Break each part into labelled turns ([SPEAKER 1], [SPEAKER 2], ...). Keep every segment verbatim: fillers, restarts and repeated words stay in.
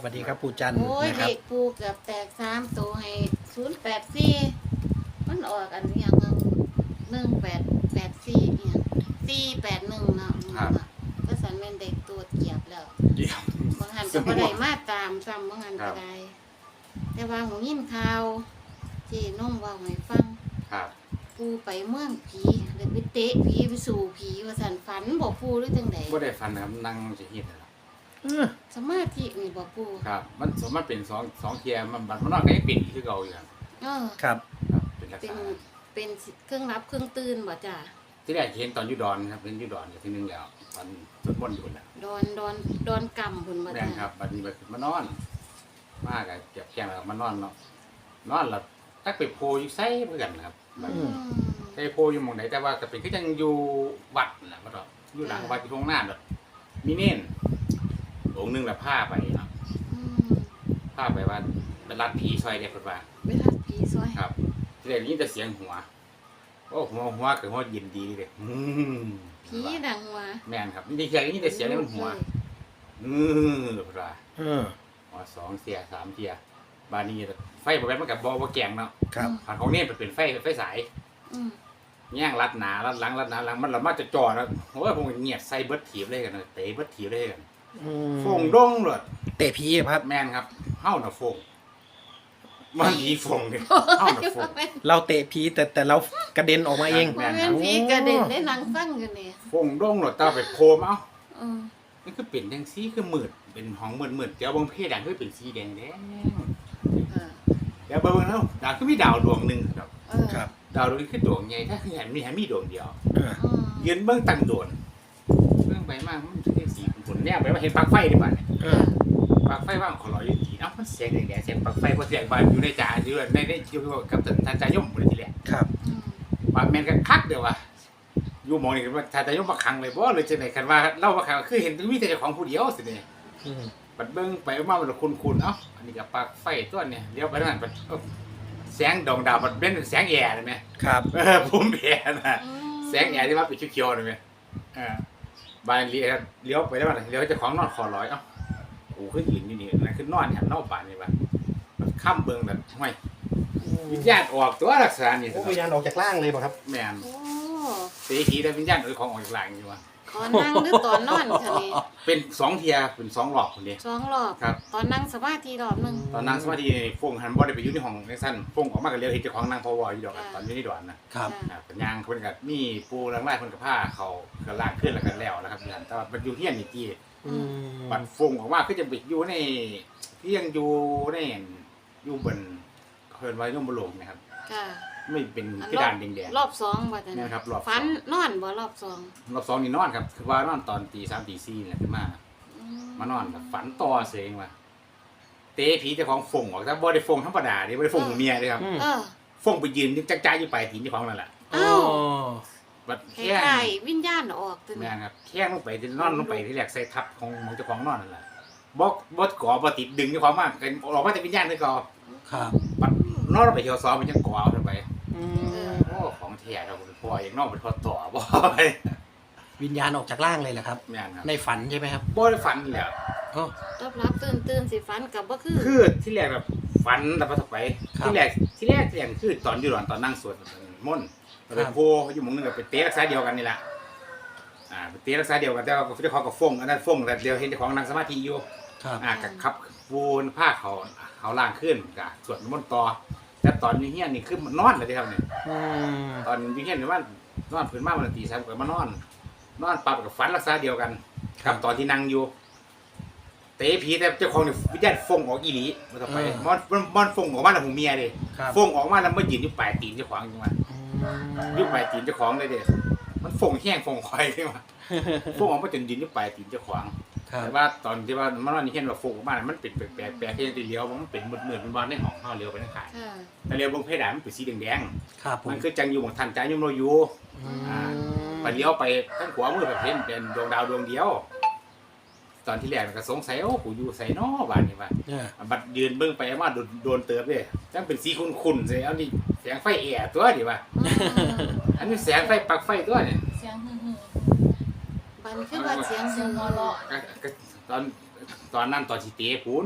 [SPEAKER 1] สวัสดีครับปู่จันทร์
[SPEAKER 2] โอ้ย
[SPEAKER 1] นะครั
[SPEAKER 2] เด็
[SPEAKER 1] บ
[SPEAKER 2] กปูเกือบแตกสามตัวให้ศูนย์แปดสี่มันออกอันอย่างหนึ่งแปดแปดสี่เนี่ยสี่แปดหนึ่งเนาะ
[SPEAKER 3] ครับ
[SPEAKER 2] ก็สันเป็นเด็กตัวเกียบแล้ว
[SPEAKER 3] เดี๋ยว
[SPEAKER 2] บางหันก็บ่ได้มาตามซ้ำบางหัน
[SPEAKER 3] ครั
[SPEAKER 2] ก็
[SPEAKER 3] บ
[SPEAKER 2] ได้แต่ว่าหูยินข่าวที่น้องเว่าให้ฟัง
[SPEAKER 3] ครับ
[SPEAKER 2] ปูไปเมืองผีเลยไปเตะผีไปสู่ผีว่าสันฝันบอกปูหรือจังใด
[SPEAKER 3] บ่ได้ฟันนะครับนั่งจะเฮ็ดนะครับ
[SPEAKER 1] เออ
[SPEAKER 2] สมาธินี่บอกปู
[SPEAKER 3] ครับ มันสมมันเป็นสองสองเทียมันบัดมันนอนก็ยังเป็นคือเก่าอยู่ครับ
[SPEAKER 2] เออ
[SPEAKER 1] ครับ
[SPEAKER 3] ครับเป็นลักษ
[SPEAKER 2] เป็น
[SPEAKER 3] ณะ
[SPEAKER 2] เป็นเครื่องรับเครื่องตื่นบ่จ้ะ
[SPEAKER 3] ที่แรกเห็นตอนอยู่ดอนครับเห็นอยู่ดอนกับที่นึงแล้วตอนสวดมนต์อยู่น่ะ
[SPEAKER 2] ดอนดอนดอนกำพุ่นบ่
[SPEAKER 3] แม่
[SPEAKER 2] จ้ะ
[SPEAKER 3] นครับบัดนี้บัดมานอน มากอะเก็บแข้งแล้วมานอนเนาะนอนแล้วตักไปโพอยู่ไสเหมือนกันครับบัด
[SPEAKER 2] อืม
[SPEAKER 3] ไปโพอยู่หม่องไหนแต่ว่าก็เป็นคือจังอยู่วัดน่ะบ่ดอกอยู่หลังวัดอยู่ตรงหน้าแบบมีเน้นองค์หนึงละพาไปเนาะ
[SPEAKER 2] อืม
[SPEAKER 3] พาไปว่าเป็นรัดผีซอยเด้เพิ่นว่า
[SPEAKER 2] เวลาผีซอย
[SPEAKER 3] ครับที่แรกนี่แต่เสียงหัวโอ้หัวหัวคือหัวเย็นดีเลยอืม
[SPEAKER 2] ผีดังหัว
[SPEAKER 3] แม่นครับนี่แค่นี่แต่เสียงนี่มันหัวอือเพิ่นว่า
[SPEAKER 1] เออ
[SPEAKER 3] หัวสองเสียสามเทียบานนี้ไฟบ่แม่นมันก็บ่บ่แกงเนาะ
[SPEAKER 1] ครับ
[SPEAKER 3] ผ่านของนี่มันเป็นไฟไฟสาย
[SPEAKER 2] อืม
[SPEAKER 3] แย่งรัดหนารัดหลังรัดหนาหลังมันละมาจะจ่อแล้วโอ้ยผมเงียบใส่เบิดถีบเลยกันเตะเบิดถีบเลยกัน
[SPEAKER 1] อืม
[SPEAKER 3] ฟงดงเลย
[SPEAKER 1] เตะผีครับ
[SPEAKER 3] แม่นครับเฮาน่ะฟงมันผีฟงนี่เฮาน่ะฟง
[SPEAKER 1] เราเตะผีแต่แต่เรากระเด็นออกมาเอง
[SPEAKER 3] แม่
[SPEAKER 2] มัน
[SPEAKER 3] น
[SPEAKER 2] เป็นผีกระเด็นได้นั่งฟังอยู่นี่
[SPEAKER 3] ฟงดงเลยตาไปโคมเอ้า
[SPEAKER 2] อืม
[SPEAKER 3] นี่คือเป็นแดงสีคือมืดเป็นห้องมืดมืดเดี๋ยวเบางเพดานคือเป็นสีแดงแดง
[SPEAKER 2] เออ
[SPEAKER 3] เดี๋ยวเบิ่งแล้วดาวคือมีดาวดวงหนึ่งครับ
[SPEAKER 2] เออ
[SPEAKER 1] ครับ
[SPEAKER 3] ดาวดวงนี้คือดวงใหญ่ถ้าคือเห็นมีเห็นมีดวงเดียว
[SPEAKER 1] เออ
[SPEAKER 2] อืม
[SPEAKER 3] ยืนเบิ่งตั้งโดนเบิ่งไปมากมันจะได้สีผลแนบไปว่าเห็นปลั๊กไฟดีกว่าเนี่ย
[SPEAKER 1] เออ
[SPEAKER 3] ปลั๊กไฟว่างขอรอยอยู่ดีเอ้ามันเสียงแดงๆเสียงปลั๊กไฟเพราะเสียงบานอยู่ในจ่าอยู่ในในอยู่กับท่านจายมเลยทีแรก
[SPEAKER 1] ครับ
[SPEAKER 2] อืม
[SPEAKER 3] ว่าแม่นก็คักเดียวว่าอยู่หมองนี่ว่าท่านจายมมาขังเลยบ่เลยจังได๋คันว่าเล่าว่าขังคือเห็นมีแต่เจ้าของผู้เดียวสิเนี่ย
[SPEAKER 1] อืม
[SPEAKER 3] ปัดเบิ้งไปมามันคุ้นคุ้นๆเอ้าอันนี้กับปลั๊กไฟตัวเนี่ยเลี้ยวไปทางนั้นปัดเอ้าแสงดวงดาวปัดเป็นแสงแอร์เลยไหม
[SPEAKER 1] ครับ
[SPEAKER 3] เออผมแอร์นะ
[SPEAKER 2] อืม
[SPEAKER 3] แสงแอร์ที่ว่าเป็นเขียวๆเลยไหมเออบานเลี้ยวเลี้ยวไปแล้วมันเลี้ยวเจ้าของนอนคอร้อยเอ้าโอ้ขึ้นยืนอยู่นี่นั่นคือนอนหันนอกป่านนี่ป่ะมันข้ามเบิ้งแบบห้วยวิญญาณออกตัวลักษณะนี่
[SPEAKER 1] โอ้วิญญาณออกจากร่างเลยป่ะครับ
[SPEAKER 3] แม่น
[SPEAKER 2] โอ้
[SPEAKER 3] สีทีแต่วิญญาณเออของออกจากหลังอยู่ว่ะ
[SPEAKER 2] ตอนนั่งหรือตอนนอนคะนี่
[SPEAKER 3] เป็นสองเทียเป็นสองหลอกคนเดียว
[SPEAKER 2] สองรอบ
[SPEAKER 3] ครับ
[SPEAKER 2] ตอนนั่งสมาธิรอบหนึง
[SPEAKER 3] ตอนนั่งสมาธินี่ฟงหันบ่ได้ไปอยู่ในห้องในสั้นฟงออกมาก็เลี้ยวเห็นเจ้าของนั่งพอวออยู่ดอกอะตอนอยู่ในดอนนะครับ อ่าเป็นยางเพิ่นก็มีปูหลังไร่เพิ่นก็ผ้าเขาก็ล่างขึ้นแล้วก็แล้วนะครับอยู่หั่นแต่ว่ามันอยู่เฮียนนี่ที่
[SPEAKER 1] อืม
[SPEAKER 3] บัดฟงออกมาคือจะไปอยู่ในที่ยังอยู่ในอยู่บนเพิ่นว่าอยู่บนโลกนะครับ
[SPEAKER 2] ค่ะ
[SPEAKER 3] ไม่เป็น
[SPEAKER 2] อัน
[SPEAKER 3] กระดานแดง
[SPEAKER 2] รอบสองบ่จ้ะ
[SPEAKER 3] ๆนะครับรอบส
[SPEAKER 2] ฝั
[SPEAKER 3] อน ง
[SPEAKER 2] นอนบ่รอบสอง
[SPEAKER 3] รอบสองนี่นอนครับคือว่านอนตอนตีสามตีสี่นี่แหละขึ้นมา
[SPEAKER 2] อื
[SPEAKER 3] มานอนแบบฝันต่อเสงว่าเตะผีเจ้าของฟงออกแต่บ่ได้ฟงธรรมดาเด้บ่ได้ฟงของเมียเด้ครับ
[SPEAKER 1] อืม
[SPEAKER 2] เออ
[SPEAKER 3] ฟงไปยืนจักจ้าอยู่ปลายตีนเจ้าของนั่นแหละ
[SPEAKER 2] เอ้า
[SPEAKER 1] โอ้
[SPEAKER 3] บัด
[SPEAKER 2] ค
[SPEAKER 3] แค่
[SPEAKER 2] ล้ายๆวิญญาณออกตัว
[SPEAKER 3] แม่
[SPEAKER 2] นี้
[SPEAKER 3] นครับแค่ลงไปที่นอนลงไปที่แรกใส่ทับของของเจ้าของนอนนั่นแหละบ่บ่ก่อบ่ติดดึงเจ้าของมากกันออกมาแต่วิญญาณคือก่อ
[SPEAKER 1] ครับ
[SPEAKER 3] บัดนอนลงไปเที่ยวซ้อมมันจังก่อเอาไป
[SPEAKER 1] อืม
[SPEAKER 3] โอ้ของแท้เราบ่พออย่างนอกเป็นพอต่อบ่ไป
[SPEAKER 1] วิญญาณออกจากร่างเลยเหรอครับ
[SPEAKER 3] แม่นครับ
[SPEAKER 1] ในฝันใช่ไหมครับ
[SPEAKER 3] บ่ได้ฝันแหล้ว
[SPEAKER 1] โอ้
[SPEAKER 2] รอบรับตื่นตื่นสิฝันกับบ่คือ
[SPEAKER 3] คือที่แรกแบบฝันแต่พอต่อไป
[SPEAKER 1] ครับ
[SPEAKER 3] ที่แรกที่แรกที่แรกคือตอนอยู่หลอนตอนนั่งสวดมนต์ไปโพอยู่หมู่นึงก็ไปเตะรักษาเดียวกันนี่แหละอ่าไปเตะรักษาเดียวกันแต่ว่าเจ้าของก็ฟงอันนั้นฟงแต่เดียวเห็นเจ้าของนั่งสมาธิอยู่
[SPEAKER 1] ครับ
[SPEAKER 3] อ่ากับขับวูนผ้าเขาเขาล่างขึ้นกับสวดมนต์ต่อแต่ตอนอยู่เฮียนนี่คือมันนอนเลยที่ครับเนี่ย
[SPEAKER 1] อืม
[SPEAKER 3] ตอนอยู่เฮียนนี่ว่านอนพื้นมาวันละตีสามก็มานอน นอนปรับกับฝันรักษาเดียวกันกับตอนที่นั่งอยู่เตะผีแต่เจ้าของนี่วิญญาณฟงออกอีหลีมาต่อไปมอนมอนมอนฟงออกมาแล้วหูเมียเลย
[SPEAKER 1] ครับ
[SPEAKER 3] ฟงออกมาแล้วมายืนอยู่ปลายตีนเจ้าของอยู่มา
[SPEAKER 1] อื
[SPEAKER 3] อยู่
[SPEAKER 1] ม
[SPEAKER 3] ปลายตีนเจ้าของเลยเด้มันฟงแห้งฟงคอยเลยมาฟงออกมาจนยืนอยู่ปลายตีนเจ้าของ
[SPEAKER 1] ครับ
[SPEAKER 3] แต่ว่าตอนที่ว่ามันว่านี่เห็นว่าโฟกบ้านมันเป็นแปลกๆแปลกที่ตีเลี้ยวมันเป็นมืดๆเป็นบอลในห้องเฮาเลี้ยวไปทางขาย
[SPEAKER 2] ค่ะ
[SPEAKER 3] แต่เลี้ยวบนเพดานมันเป็นสีแดง
[SPEAKER 1] ครับผ
[SPEAKER 3] ๆ
[SPEAKER 1] ม
[SPEAKER 3] มันคือจังอยู่ของทันใจยมโนอยู่
[SPEAKER 1] อืม
[SPEAKER 3] อ่า ไปเลี้ยวไปทางขวามือแบบเห็นเป็นดวงดาวดวงเดียว ตอนที่แรกมันก็สงสัยโอ้กูอยู่ใส่นอบ้านนี่ว่า
[SPEAKER 1] เนี่ย
[SPEAKER 3] บัดยืนเบิ่งไปมาโดนโดนเติบเลยจังเป็นสีขุ่นๆใส่เอานี่แสงไฟแอร์ตัวดิว่า
[SPEAKER 2] อืม
[SPEAKER 3] อันนี้แสงไฟปลั๊กไฟตัวนี่
[SPEAKER 4] เสียงฮึ่ม
[SPEAKER 2] บันคือว่าเสียง
[SPEAKER 4] ๆเสี
[SPEAKER 2] หู
[SPEAKER 4] ยงหัวเราะ
[SPEAKER 3] ก็ก็ตอนตอนนั้นตอนสิเตะปูน
[SPEAKER 4] อ่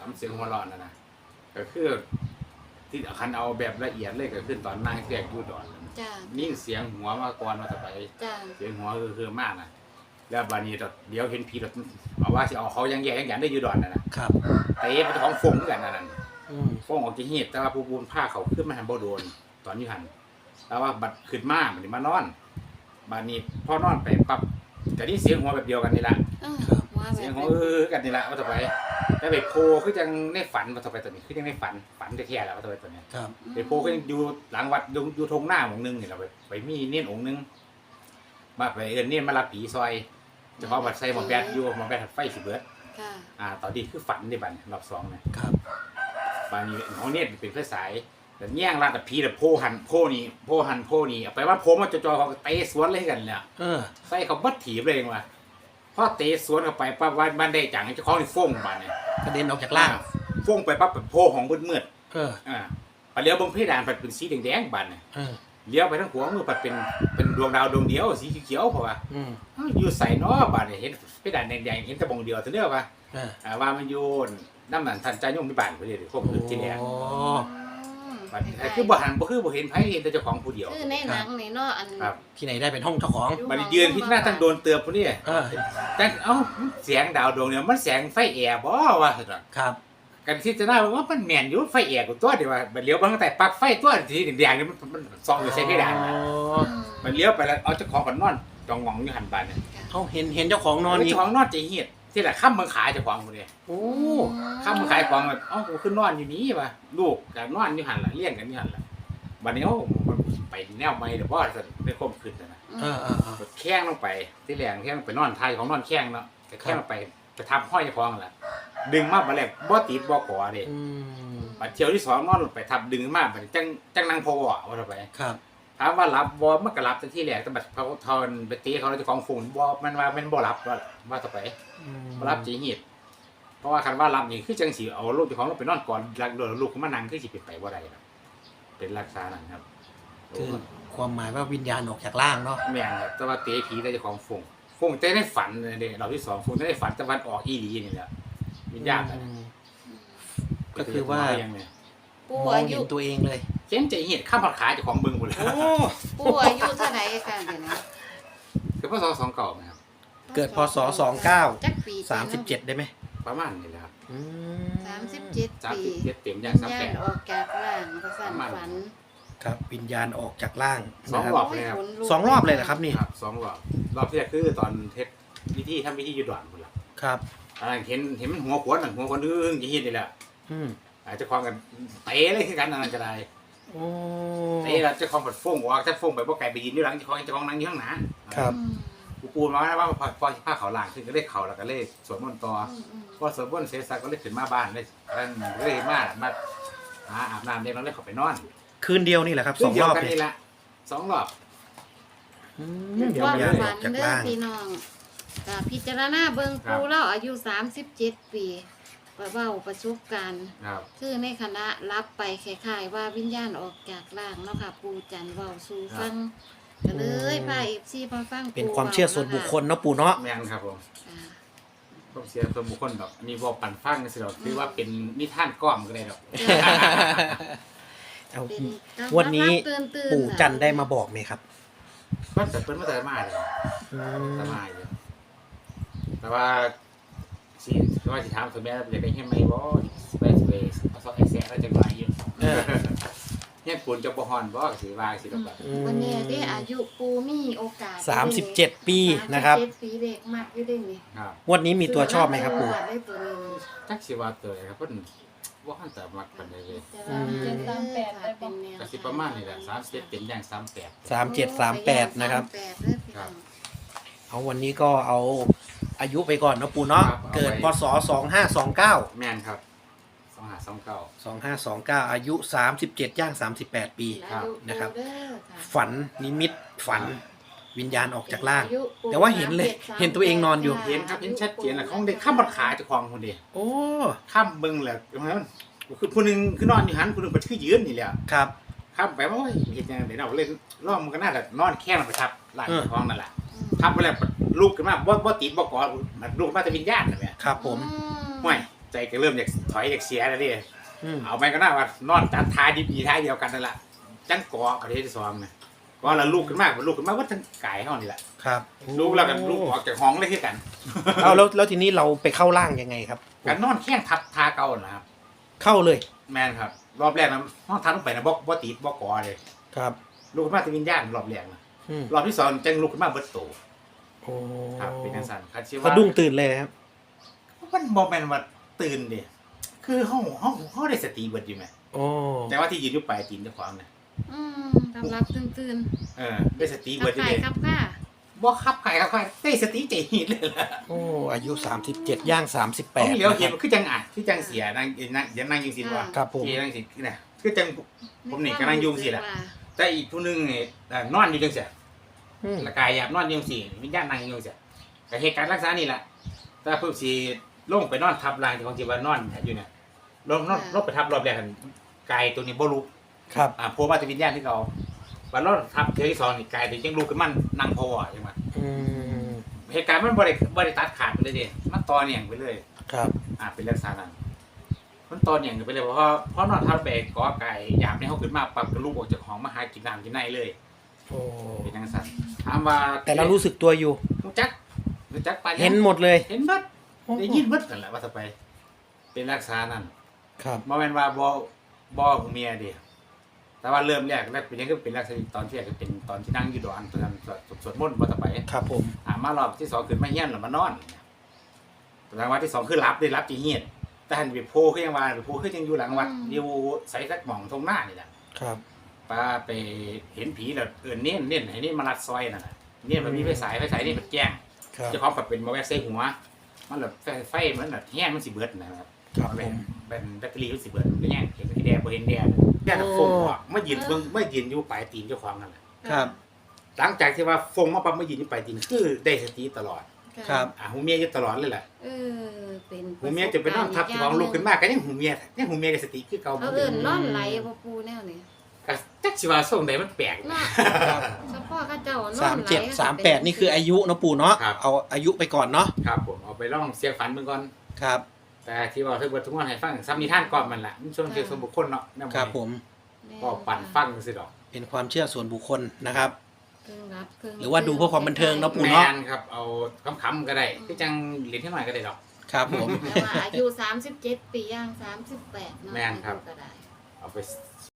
[SPEAKER 3] ำเสียงหัวเราะนั่นนะก็คือที่คันเอาแบบละเอียดเลยก็คือตอนนั่งแทรกอยู่ดอน
[SPEAKER 2] จ้า
[SPEAKER 3] นิ่งเสียงหัวมาก่อนมาต่อไป
[SPEAKER 2] จ้า
[SPEAKER 3] เสียงหัวคือคือมากนะแล้วบานี้เดี๋ยวเห็นผีแบบเอาว่าสิเอาเขายังแย่ยังหยันได้อยู่ดอนน่ะนะครับ เตะไปท้องฟงกันนั่น
[SPEAKER 1] อืม
[SPEAKER 3] ฟงออกจากเหียดแต่ว่าผู้บุญผ้าเขาขึ้นมาหันบ่โดนตอนนี้หันแต่ว่าบัดขึ้นมาบัดนี้มานอนบานี้พอนอนไปปั๊บก็นี่เสียงหัวแบบเดียวกันนี่ละ
[SPEAKER 2] เออว่าแบ
[SPEAKER 3] เสียง
[SPEAKER 2] บ
[SPEAKER 3] หัวเออกันนี่ละว่าต่อไปแต่ไปโพคือจังในฝันว่าต่อไปตัวนี้คือจังในฝันฝันแท้ๆแล้วว่าต่อไปตัวนี้
[SPEAKER 1] ครับ
[SPEAKER 3] ไปโพก็ยังอยู่หลังวัดอยู่อยู่ทงหน้าองค์นึงนี่เราไปไปมีเนียนองค์นึงมาไปเอิ้นเนียนมารับผีซอยเจะของบัดใส่หมอแบดอยู่หมอแบดไฟสิเบิด
[SPEAKER 2] ค่ะ
[SPEAKER 3] อ่าตอนนี้คือฝันในบัดรอบสองเนี่ย
[SPEAKER 1] ครับ
[SPEAKER 3] บานนี้ของเนี่ยเป็นไฟสายแต่แย่งร้านแต่ผีแต่โพหันโพนี่โพหันโพนี่เอาไปว่าโพมาจอๆเขาเตะสวนเลยกันเนี่ย
[SPEAKER 1] เออ
[SPEAKER 3] ใส่เขาบัดถีบเลยว่ะพอเตะสวนเข้าไปปั๊บว่าบ้านได้จังเจ้าของนี่ฟ้องบ้านเนี่ย
[SPEAKER 1] กระเด็นออกจากล่าง
[SPEAKER 3] ฟ้องไปปั๊บเป็นโพของมืด
[SPEAKER 1] เออ
[SPEAKER 3] ๆอ่าพอเลี้ยวเบงเพดานมันเป็นสีแดงๆบ้านเนี่ย
[SPEAKER 1] เออ
[SPEAKER 3] เลี้ยวไปทั้งหัวมือปัดเป็นเป็นดวงดาวดวงเดียวสีเขียวๆเพราะว่า
[SPEAKER 1] อืม
[SPEAKER 3] เอ้าอยู่ใส่เนาะบ้านเนี่ยเห็นเพดานแดงๆเห็นแตะบงเดียวเท่าเดียวว่า
[SPEAKER 1] เออ
[SPEAKER 3] อ่าว่ามันโยนน้ำหนันทันใจโยมที่บ้านพอดีเลยพวกอื่นที่แดง
[SPEAKER 1] โอ้
[SPEAKER 3] บัดนี้คือบ่หันบ่คือบ่เห็นไผเห็นแต่เจ้าของผู้เดียว
[SPEAKER 2] คือในหนังนี่เนาะอัน
[SPEAKER 3] ครับ
[SPEAKER 1] ที่ไหนได้เป็นห้องเจ้าของ
[SPEAKER 3] บัดนี้ยืนพิจารณาตั้งโดนเตือบผู้นี้
[SPEAKER 1] เออ
[SPEAKER 3] แต่เอ้าเสียงดาวดวงเนี่ยมันแสงไฟแอร์บ่ว่าซั่นน่ะ
[SPEAKER 1] ครับ
[SPEAKER 3] กันพิจารณาว่ามันแม่นอยู่ไฟแอร์กูตัวเดียวว่าบัดเลี้ยวมาตั้งแต่ปลั๊กไฟตัวที่แดงๆนี่มันมันส่องอยู่ใส่เพดานน่ะ
[SPEAKER 1] อ๋อ
[SPEAKER 3] มันเลี้ยวไปแล้วเอาเจ้าของก็นอนจองงองอยู่หันบานเนี่ย
[SPEAKER 1] เขาเห็นเห็นเจ้าของนอนอีก
[SPEAKER 3] เจ้าของนอนใจเฮียดที่ละค่ำเมืองขายเจ้าของผู้นี้
[SPEAKER 1] โอ้
[SPEAKER 3] ค่ำเมืองขายของแบบเอ้ากูขึ้นนอนอยู่นี้ว่ะลูกก็นอนอยู่หั่นล่ะเลี้ยงกันอยู่หั่นล่ะบัดนี้เอ้ามันไปแนวใหม่เด้อบ่ซั่นได้ความขึ้นน่ะ
[SPEAKER 1] เออเออเออ
[SPEAKER 3] แข้งลงไปที่แรงแข้งไปนอนไทยของนอนแข้งเนาะแข้งลงไปไปทับห้อยคองแหละดึงมาบัดแรกบ่ติดบ่ขอเด้
[SPEAKER 1] อืม
[SPEAKER 3] บัดเที่ยวที่สองนอนลงไปทับดึงมาบัดจังจังนั่งพอว่าว่าไป
[SPEAKER 1] ครับ
[SPEAKER 3] ถามว่ารับบ่มันก็รับแต่ที่แรกแต่บัดเขาทอนไปตีเขาแล้วเจ้าของฝุ่นบ่มันว่ามันบ่รับว่าว่าต่อไป
[SPEAKER 1] อืม
[SPEAKER 3] บ่รับจีหิดเพราะว่าคันว่ารับนี่คือจังสิเอาลูกเจ้าของลงไปนอนก่อนลักโดนลูกขึ้นมานั่งคือสิเป็นไปบ่ได้ครับเป็นลักษณะนั้นครับ
[SPEAKER 1] คือความหมายว่าวิญญาณออกจากล่างเนาะ
[SPEAKER 3] แม่นครับแต่ว่าเตะผีแต่เจ้าของฝุ่นฝุ่นแต่ในฝันเด้เราที่สองฝุ่นแต่ในฝันตะวันออกอีหลีนี่แหละวิญญาณอะ
[SPEAKER 1] อืม ก็คือว่า
[SPEAKER 3] ยังไง
[SPEAKER 2] ปู่
[SPEAKER 1] มอง
[SPEAKER 2] อา
[SPEAKER 1] เห็
[SPEAKER 2] ยุ
[SPEAKER 1] นตัวเองเลย
[SPEAKER 3] เจ๊งใจเหี้ยข้ามผัดขายเจากของเบิ้งหมดเลย
[SPEAKER 1] โอ้
[SPEAKER 2] ปู่อายุเท่าไหร่กันเดี๋ยวนี้
[SPEAKER 3] คือพศสองเก่าไหมครับ
[SPEAKER 1] เกิดพศสองเก้า
[SPEAKER 2] จักปี
[SPEAKER 1] สามสิบเจ็ดได้ไหม
[SPEAKER 3] ประมาณนี้แหละครับ
[SPEAKER 1] อืม
[SPEAKER 2] สามสิบเจ็ด
[SPEAKER 3] สาม
[SPEAKER 2] ปี
[SPEAKER 3] สิบเจ็ดเต็มย่างสาม
[SPEAKER 2] ย่า
[SPEAKER 3] แป
[SPEAKER 2] น
[SPEAKER 3] ด
[SPEAKER 2] ออกจากร่างประสัน
[SPEAKER 3] ประมาณ
[SPEAKER 2] ฝัน
[SPEAKER 1] ครับ วิญญาณออกจากล่าง
[SPEAKER 3] สอง
[SPEAKER 1] นะค
[SPEAKER 3] ร
[SPEAKER 1] รั
[SPEAKER 3] อบ เลยครับ
[SPEAKER 2] โยขนลุก
[SPEAKER 1] สองรอบเลยเหรอครับนี่
[SPEAKER 3] ครับสองรอบรอบที่แรกคือตอนเทสวิธีทำวิธีอยูดอนหมดละ
[SPEAKER 1] ครับ
[SPEAKER 3] อันนั้นเห็นเห็นมันหัวขวานหัวขวานอึ้งจะเห็นนี่แหละ
[SPEAKER 1] อืม
[SPEAKER 3] อาจจะคลองกันเตะเลยคือกันอันนั้นก็ได้
[SPEAKER 1] โอ้
[SPEAKER 3] เตะแล้วเจะคลองผัดฟงออกถ้าฟงไปพวกไก่ไปยืนอยู่หลังเจะคลองเจะคลองนั่งอยู่ข้างหน้า
[SPEAKER 1] ครับ
[SPEAKER 2] อืม
[SPEAKER 3] กูปูมาว่าพอพอผ้าเขาวล่างขึ้นก็เลยเข่าแล้วก็เลยสวดมนต์ต่อ
[SPEAKER 2] อืมอืม
[SPEAKER 3] พอสวดมนต์เสร็จสักก็เลยขึ้นมาบ้านเลยนั่นเลยมามาหาอาบน้ำเด็กน้องเลยเข้าไปนอน
[SPEAKER 1] คืนเดียวนี่แหละครับสองรอบ
[SPEAKER 3] กัน
[SPEAKER 1] เนี่ย
[SPEAKER 3] นี่ละสองรอบ
[SPEAKER 1] อืม
[SPEAKER 2] เป็น
[SPEAKER 1] วิ
[SPEAKER 2] ความ
[SPEAKER 1] ญญาณอ
[SPEAKER 2] ฝั
[SPEAKER 1] อน กจาก
[SPEAKER 2] เด้อ
[SPEAKER 1] ล่าง
[SPEAKER 2] พี่น้องก็พิจารณาเบิ่งปูเราอายุสามสิบเจ็ดปีประเบ้าประสบการณ์
[SPEAKER 3] ครับ
[SPEAKER 2] คือในคณะรับไปคล้ายๆว่าวิญญาณออกจากร่างเนาะค่ะ ปูจันทร์เว้าสู่ฟังก็เลยพาเอฟซีมาฟัง
[SPEAKER 1] เป็นความเชื่อส่วนบุคคลเนาะปู่เนาะ
[SPEAKER 3] แม่นครับผม
[SPEAKER 2] อ่า
[SPEAKER 3] ต้องเสียส่วนบุคคลดอกอันนี้บอกปั่นฟังสิดอกคือว่าเป็นนิทานก้อมก็ได้ดอก
[SPEAKER 1] เอา
[SPEAKER 2] เป็น
[SPEAKER 1] วันนี้
[SPEAKER 2] ตื่ๆ
[SPEAKER 1] ปู่จันทร์ได้มาบอกไหมครับ
[SPEAKER 3] ก็แต่เพิ่นมาแต่มาเลย
[SPEAKER 1] อื
[SPEAKER 3] แต่
[SPEAKER 1] ม
[SPEAKER 3] มาอยู่แต่ว่าสิว่าสิถามคุณแม่อยากได้เฮ็ดไหมบ่สเปซเบสเอาซอกไอแซะแล้วจังหวะอยู่
[SPEAKER 1] เออ
[SPEAKER 3] เฮ็ดปูนจะบ่ฮ้อนบ่ก็สิว่าสิดอกว่า
[SPEAKER 1] อืม
[SPEAKER 2] วันนี้ได้อายุปูมีโอกาส
[SPEAKER 1] สามสิบเจ็ดปีนะครับ
[SPEAKER 2] สามสิบเจ็ดปีเด็กมากอยู่ได้นี่
[SPEAKER 3] ครับ
[SPEAKER 1] งวดนี้มีตัวชอบไหมครับปู่
[SPEAKER 2] ได้ตัวนี้
[SPEAKER 3] จักสิว่าเตยครับเพิ่นบ่ทันแต่มักปานใดเลย
[SPEAKER 2] จะว่าเจ็ดสามแปดได้เป็นแนว
[SPEAKER 3] ก็สิประมาณนี้แหละสามสิบเจ็ดเต็มอย่างสามสิบแปด
[SPEAKER 1] สามเจ็ดสามแปดนะครับ
[SPEAKER 2] สามแปดเด้อพี่น้อง
[SPEAKER 1] เอาวันนี้ก็เอาอายุไปก่อนเนาะปู่เนาะ เกิดพศสองห้าสองเก้า
[SPEAKER 3] แม่นครับสองห้าสองเก้า
[SPEAKER 1] สองห้าสองเก้าอายุสามสิบเจ็ดย่างสามสิบแปดปี
[SPEAKER 3] ครับ
[SPEAKER 1] นะครับ
[SPEAKER 2] เด้อค่ะ
[SPEAKER 1] ฝันนิมิตฝันวิญญาณออกจากร่าง
[SPEAKER 2] อายุปู
[SPEAKER 1] แต่ว่าเห็นเลย
[SPEAKER 2] สามสิบ
[SPEAKER 1] เห็นตัวเองนอนอยู่
[SPEAKER 3] เห็นครับเห็นชัดเจนแหละของเด็กข้ามบัดขาเจ้าของคนเดียว
[SPEAKER 1] โอ้
[SPEAKER 3] ข้ามเบิ่งแหละมันคือผู้หนึงคือนอนอยู่หันผู้หนึงก็คือยืนนี่แหละ
[SPEAKER 1] ครับ
[SPEAKER 3] ข้ามไปว่าโอ้ยเฮ็ดจังได๋เนาะเลยรอบมันก็น่าจะนอนแค่นไปทับหลัง
[SPEAKER 1] เออ
[SPEAKER 3] เจ้าของนั่นแหละ
[SPEAKER 2] อืม
[SPEAKER 3] ทับไปแล้วลุกขึ้นมาบ่บ่ติดบ่กอดมันลุกมาแต่วิญญาณนั่นแหละ
[SPEAKER 1] ครับผม
[SPEAKER 2] อื
[SPEAKER 3] ห่วยใจก็เริ่มอยากถอยอยากเสียแล้วดิ
[SPEAKER 1] อืม
[SPEAKER 3] เอาไปก็น่าว่านอนจัดทายดีๆท้ายเดียวกันนั่นแหละจังเกาะประเทศที่สองนะก็เราลูกขึ้นมากลูกขึ้นมากว่าทั้งกายเฮานี่แหละ
[SPEAKER 1] ครับ
[SPEAKER 3] ลูกแล้วกันลูกออกจากห้องเลยคือกัน
[SPEAKER 1] เอาแล้วแล้วทีนี้เราไปเข้าร่างยังไงครับ
[SPEAKER 3] กันนอนแข้งทับทาเก่านะครับ
[SPEAKER 1] เข้าเลย
[SPEAKER 3] แมนครับ รอบแรกนะห้องทับลงไปนะบ่บ่ติดบ่ก่อเลย
[SPEAKER 1] ครับ
[SPEAKER 3] ลูกขึ้นมาเป็นวิญญาณรอบแรกนะ
[SPEAKER 1] อืม
[SPEAKER 3] รอบที่สองจังลูกขึ้นมาเบิดโต
[SPEAKER 1] โอ้
[SPEAKER 3] ครับเป็นจังซั่นครับชื่อ
[SPEAKER 1] สะ
[SPEAKER 3] ว่า
[SPEAKER 1] ดุ้งตื่นเลยครับ
[SPEAKER 3] มันบ่แม่นว่าตื่นดิคือเฮาเฮาเฮาได้สติเบิดอยู่แหม
[SPEAKER 1] โอ้
[SPEAKER 3] แต่ว่าที่ยืนอยู่ปลายตีนเจ้าของน่ะ
[SPEAKER 2] อืมกำลังตื่น
[SPEAKER 3] เออได้สติ
[SPEAKER 2] ๆ
[SPEAKER 3] เบิ
[SPEAKER 2] กับ
[SPEAKER 3] ดอยู่
[SPEAKER 2] ไข่
[SPEAKER 3] เด้
[SPEAKER 2] ครับค่ะ
[SPEAKER 3] บ่ขับไข่ครับไข่ได้สติใจหีดเลยล่ะ
[SPEAKER 1] โอ้อายุสามสิบเจ็ดย่างสามสิบแป
[SPEAKER 3] ต้อ
[SPEAKER 1] ด
[SPEAKER 3] งเหลียวเห็นคือจังอ่ะคือจังเสียนั่งนั่งอย่านั่งอยู่สิว่า
[SPEAKER 1] ครับผม
[SPEAKER 3] ที่นั่งสิเนี่ยคือจังผมนี่ก็นั่งยุ่งสิล่ะแต่อีกผู้หนึงนี่เอ่อนอนอยู่จังเสีย
[SPEAKER 1] อืม
[SPEAKER 3] ละกายหยาบนอนอยู่จังสิวิญญาณนั่งอยู่จังเสียก็เหตุการณ์รักษานี่แหละแต่เพิ่นสิลงไปนอนทับร่างที่ของที่ว่านอนอยู่เนี่ยลงนอนลงไปทับรอบแรกกันกายตัวนี้บ่ลุก
[SPEAKER 1] ครับ
[SPEAKER 3] อ่าโผล่มาแต่วิญญาณที่เขาวันรอดทับเทอที่สองนี่กายตัวยังลุกขึ้นมันนั่งพอใช่ไหม
[SPEAKER 1] อืม
[SPEAKER 3] เหตุการณ์มันบ่ได้บ่ได้ตัดขาดไปเลยเดิมันต่อเนื่องไปเลย
[SPEAKER 1] ครับ
[SPEAKER 3] อ่าเป็นลักษณะนั้นมันต่อเนื่องไปเลยเพราะว่าเพราะนอนทับแบกกอไก่หยาบในเขาขึ้นมาปรับกระลูกออกจากห้องมาหากินน้ำกินในเลย
[SPEAKER 1] โอ้
[SPEAKER 3] เป็นจังซั่นถามว่า
[SPEAKER 1] แต่เรารู้สึกตัวอยู่
[SPEAKER 3] รู้จักรู้จักปาน
[SPEAKER 1] เห็นหมดเลย
[SPEAKER 3] เห็นเบิดได้ยินเบิดนั่นแหละว่าจะไป เป็นลักษณะนั้น
[SPEAKER 1] ครับ
[SPEAKER 3] บ่แม่นว่าบ่บ่ของเมียเด้แต่ว่าเริ่มแรกแรกเป็นยังคือเป็นลักษณะตอนที่แรกก็เป็นตอนที่นั่งอยู่ดอนตอนนั้นสวดสวดมนต์บ่จะไป
[SPEAKER 1] ครับผม
[SPEAKER 3] อ่ามารอบที่สองขึ้นมาเฮียนแล้วมานอนแต่ทางวันที่สองคือรับได้รับจีเฮียนแต่หันไปโพคือยังว่าไปโพคือยังอยู่หลังวัดอยู่ใส่สักหม่องตรงหน้านี่แหละ
[SPEAKER 1] ครับ
[SPEAKER 3] ป้าไปเห็นผีแล้วเอิ้นเน้นเน้นให้นี่มารัดซอยนั่นน่ะเน้นมันมีไฟฉายไฟฉายนี่มันแจ้ง
[SPEAKER 1] ครับ
[SPEAKER 3] เจ้าของก็เป็นมาแวะใส่หัว มันแบบไฟไฟมันแบบแห้งมันสิเบิดนะครับ
[SPEAKER 1] ครับ
[SPEAKER 3] เป็
[SPEAKER 1] ผ
[SPEAKER 3] น
[SPEAKER 1] ม
[SPEAKER 3] เป็นแบตเตอรี่มันสิเบิดมันแห้งเห็นสีแดงบ่เห็นแดงแดงฟงออกมายืนเบิ่งมายืนอยู่ปลายตีนเจ้าของนั่นแหละ
[SPEAKER 1] ครับ
[SPEAKER 3] หลังจากที่ว่าฟงมาปั๊บมายืนอยู่ปลายตีนคือได้สติตลอด
[SPEAKER 1] ครับ
[SPEAKER 3] อ่าหูเมียอยู่ตลอดเลยแหละ
[SPEAKER 2] เออเป็น
[SPEAKER 3] หูเมียจะไปนอนทับที่ของลูกขึ้นมาก็ยังหูเมียยังหูเมียกับสติคือเก่า
[SPEAKER 2] เขาเอิ้นนอนไหลบ่ปูแนวนี้
[SPEAKER 3] ก็จักสิว่าส่งใดมันแปลก
[SPEAKER 2] เนาะ
[SPEAKER 1] ครับ
[SPEAKER 2] เฉพาะเขาเจ้านอนไหล
[SPEAKER 1] สามเจ็ดสามแปดนี่คืออายุเนาะปู่เนาะ
[SPEAKER 3] ครับ
[SPEAKER 1] เอาอายุไปก่อนเนาะ
[SPEAKER 3] ครับผมเอาไปลองเสียงฝันเบิ่งก่อน
[SPEAKER 1] ครับ
[SPEAKER 3] แต่ที่ว่าเพิ่นเบิดทุกวันให้ฟังซ้ำนิทานก่อนมันล่ะมันช่วงเกี่ยวกับบุคคลเนาะแนว
[SPEAKER 1] ครับผม
[SPEAKER 3] ก็ปั่นฟังซื่อดอก
[SPEAKER 1] เป็นความเชื่อส่วนบุคคลนะครับ
[SPEAKER 2] ครึ่งรับครึ่ง
[SPEAKER 1] หรือว่าดูเพื่อความบันเทิงเนาะปู่
[SPEAKER 3] แม
[SPEAKER 1] เนาะ
[SPEAKER 3] นครับเอาคำๆก็ได้คือจังเล่นให้หน่อยก็ได้ดอก
[SPEAKER 1] ครับผม
[SPEAKER 2] แต่ว่าอายุสามสิบเจ็ดปีย่างสามสิบแปดเนาะ
[SPEAKER 3] แม่นครับ
[SPEAKER 2] อายุก็ได้
[SPEAKER 3] เอาไป